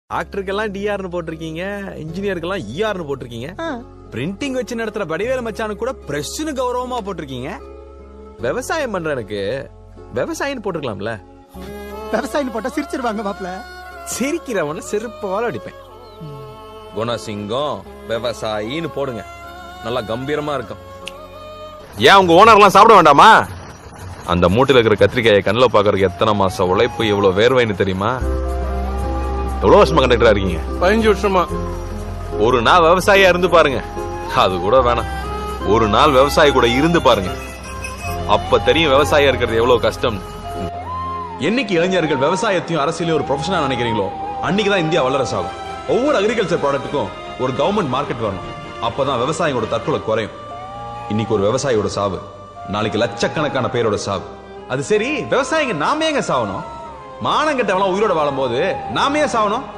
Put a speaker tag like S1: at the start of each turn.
S1: டாக்டருக்கெல்லாம் டிஆர்னு போட்டிருக்கீங்க, இன்ஜினியருக்கெல்லாம் இஆர்னு போட்டிருக்கீங்க, பிரிண்டிங் வச்சு நடத்துற வடிவேல மச்சானு கூட பிரஸ்னு கௌரவமா போட்டிருக்கீங்க. விவசாயம் பண்ற எனக்கு விவசாயின்னு போட்டுக்கலாம்ல.
S2: விவசாயம் போட்டா சிரிச்சிருவாங்க மாப்ள.
S1: சிரிக்கிறவன செருப்பால அடிப்பேன். குணசிங்கம் விவசாயின்னு போடுங்க, நல்லா கம்பீரமா இருக்கும். ஏன் உங்க ஓனர்லாம் சாப்பிட வேண்டாமா? அந்த மூட்டையில இருக்கிற கத்திரிக்காயை கண்ணில் பாக்குறதுக்கு எத்தனை மாசம் உழைப்பு, எவ்வளவு வேர்வைன்னு தெரியுமா? எவ்வளவு வருஷமா கண்டக்டரா இருக்கீங்க?
S3: 15 வருஷமா.
S1: ஒரு நாள் விவசாயியா இருந்து பாருங்க, அது கூட வேணாம், ஒரு நாள் விவசாயி கூட இருந்து பாருங்க, அப்ப தெரியும் விவசாயியா இருக்கிறது எவ்வளவு கஷ்டம். என்னைக்கு இளைஞர்கள் விவசாயத்தையும் அரசியலையும் ஒரு ப்ரொஃபஷனா நினைக்கிறீங்களோ அன்னைக்குதான் இந்தியா வல்லரசு ஆகும். ஒவ்வொரு அக்ரிகல்ச்சர் ப்ராடக்ட்டுக்கும் ஒரு கவர்மெண்ட் மார்க்கெட் வரணும், அப்பதான் விவசாயியோட தற்கொலை குறையும். இன்னைக்கு ஒரு விவசாயியோட சாவு, நாளைக்கு லட்சக்கணக்கான பேரோட சாவு. அது சரி, விவசாயிங்க நாம ஏங்க சாவணும்? மானங்கெட்டவெல்லாம் உயிரோட வாழும் போது நாம ஏன் சாவணும்?